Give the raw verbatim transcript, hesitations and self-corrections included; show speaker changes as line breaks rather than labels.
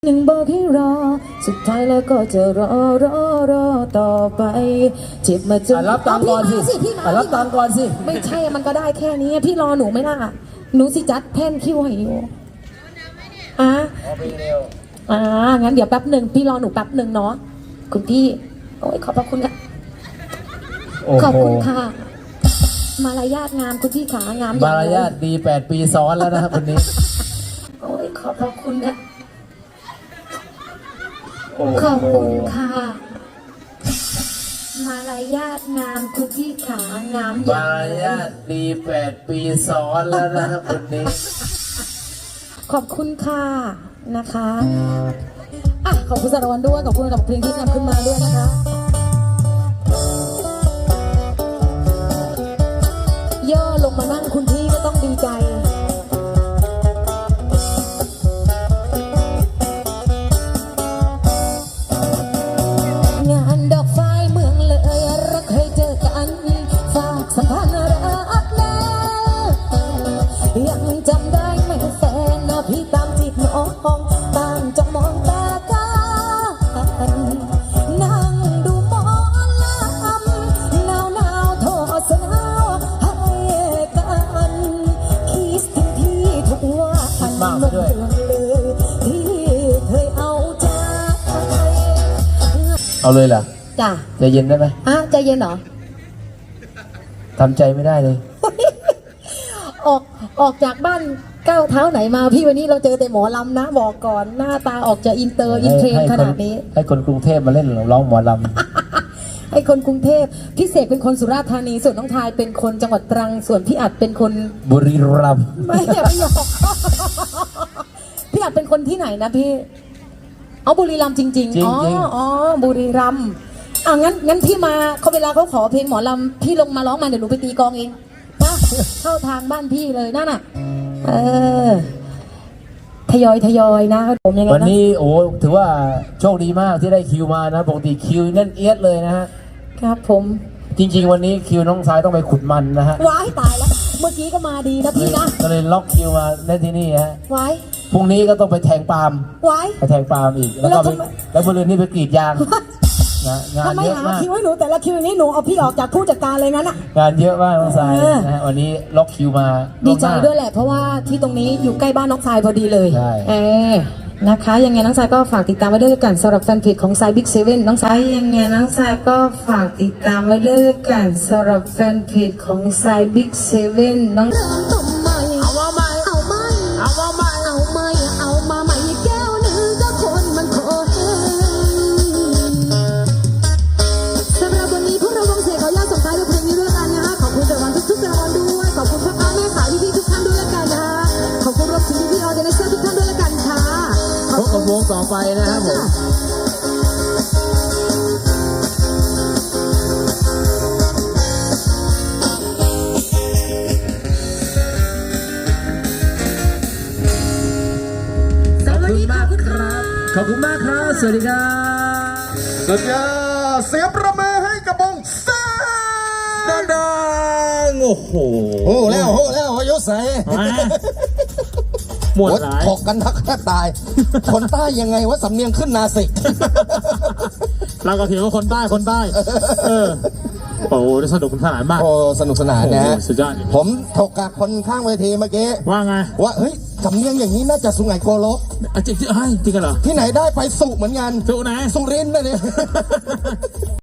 หนึ่งบอกให้รอสุดท้ายแล้วก็จะรอรอรอต่อไปเจ็บมาจน
รับตังก่อนสิ
พี่มา
รับตังก่อนสิ
ไม่ใช่มันก็ได้แค่นี้พี่รอหนูไม่ล่ะหนูสิจัดแท่นคิวให้อยู่อ่ะอ่างั้นเดี๋ยวแป๊บหนึ่งพี่รอหนูแป๊บหนึ่งเนาะคุณพี่โอ้ยขอบพระคุณค่ะขอบคุณค่ะมารยาทงามคุณพี่ขางาม
มารยาทดีแปดปีซ้อนแล้วนะครับคนนี้
โอ้ยขอบพระคุณค่ะขอบคุณค่ะมารยาทงามคุณพี่ขางาม
มารยาทดีแปดปีซ้อนแล้วนะครับคนนี้
ขอบคุณค่ะนะคะอ่ะขอบคุณสารวัตรด้วยขอบคุณกับเพลงที่นำขึ้นมาด้วยนะคะย่อลงมานั่งคุณพี่ก็ต้องดีใจงานดอกไฟเมืองเลยรักเคยเจอกันฝากสัมพันธ์รักแน่ยังจำได้ไหมแฟนนะพี่ตามจีบน้องต่างจ้องมองตากันนั่งดูหมอลำหนาวหนาวโทษสนาวให้กันคิดถึงพี่ทุกวัน
มากไปด้วย
ที่เคยเอาใจ
เอาเลยเหรอ
จ้ะ
ใจเย็นได้ไหม
อ่ะใจเย็นเหรอ
ทำใจไม่ได้เลย
ออกออกจากบ้านก้าวเท้าไหนมาพี่วันนี้เราเจอแต่หมอลำนะบอกก่อนหน้าตาออกจะอินเตอร์อินเทรนขนาดนี้
ให้คนกรุงเทพมาเล่นร้องหมอล
ำให้คนกรุงเทพพี่เสกเป็นคนสุราษฎร์ธานีส่วนน้องทายเป็นคนจังหวัดตรังส่วนพี่อัดเป็นคน
บุรีรัมย์
ไม่อย่าไปหยอกพี่อัดเป็นคนที่ไหนนะพี่เอาบุรีรัมย์จริงๆอ๋ออ๋อบุรีรัมย์อ่ะงั้นงั้นพี่มาเขาเวลาเขาขอเพลงหมอลำพี่ลงมาร้องมาเดี๋ยวหนูไปตีกลองเองนะเข้าทางบ้านพี่เลยนั่นน่ะเออทยอยทยอยนะผมยังไงนะ
วันนี้โอ้ถือว่าโชคดีมากที่ได้คิวมานะปกติคิวนั่นเอียดเลยนะฮะ
ครับผม
จริงๆวันนี้คิวน้องสายต้องไปขุดมันนะฮะ
ว้ายตายแล้วเมื่อกี้ก็มาดีนะพี่นะ
ก็เลยล็อกคิวมาได้ที่นี่ฮะ
ว้าย
พรุ่งนี้ก็ต้องไปแทงปาล์ม
ว้าย
ไปแทงปาล์มอีกแล้วก็แล้วบริเวณนี้ไปกรีดยางนะงานเยอะมาก
คิวให้หนูแต่ละคิวนี้หนูเอาพี่ออกจากผู้จัดการเลยงั้นอ่ะ
งานเยอะมากน้องสายนะฮะวันนี้ล็อกคิวมา
ดีใจด้วยแหละเพราะว่าที่ตรงนี้อยู่ใกล้บ้านน้องสายพอดีเลยเออนะคะยังไงน้องสายก็ฝากติดตามไว้ด้วยกันสำหรับแฟนเพจของสายบิ๊กเซเว่นน้องสายยังไงน้องสายก็ฝากติดตามไว้ด้วยกันสำหรับแฟนเพจของสายบิ๊กเซเว่นน้อง
เอามาใหม่เอาใหม่เอามาใหม่เอาใหม่เอามาใหม่แก้วหนึ่งก็คนมันโคตรสำหรับวันนี้พวกเราวงเสียงเขาอยากส่งท้ายด้วยเพลงนี้ด้วยกันนะคะขอบคุณรางวัลทุกๆรางวัลด้วยขอบคุณพ่อค้าแม่ขายพี่ๆทุกท่านด้วยละกันนะคะขอบคุณรวมถึงพี่ๆออเดนเซอร์ทุกท่านด้วยละกันค่ะ
พบกับวงต่อไปนะครับผมขอบคุณมากครับขอบคุณมากครับสวัสดีครับ
สุดยอดเสียงประมือให้กับวงแซ่
ดังๆโอ้โห
โอ้แล้วโอ้แล้วอายุใส่
หมดหลาย
ถกกันทักแทบตายคนใต้ยังไงวะสำเนียงขึ้นนาสิก
เราก็ถือว่าคนใต้คนใต้เออโอ้โหสนุกสนานมาก
โอ้สนุกสนานนะฮะ
สุดยอด
ผมถกกับคนข้างเวทีเมื่อกี้
ว่าไง
ว่าเฮ้ยสำเนียงอย่างนี้น่าจะสุไหงโกลก
จริงจริงจริงกันเหรอ
ที่ไหนได้ไปสุเหมือนกัน
สุไหน
สุรินทร์นะเนี่ย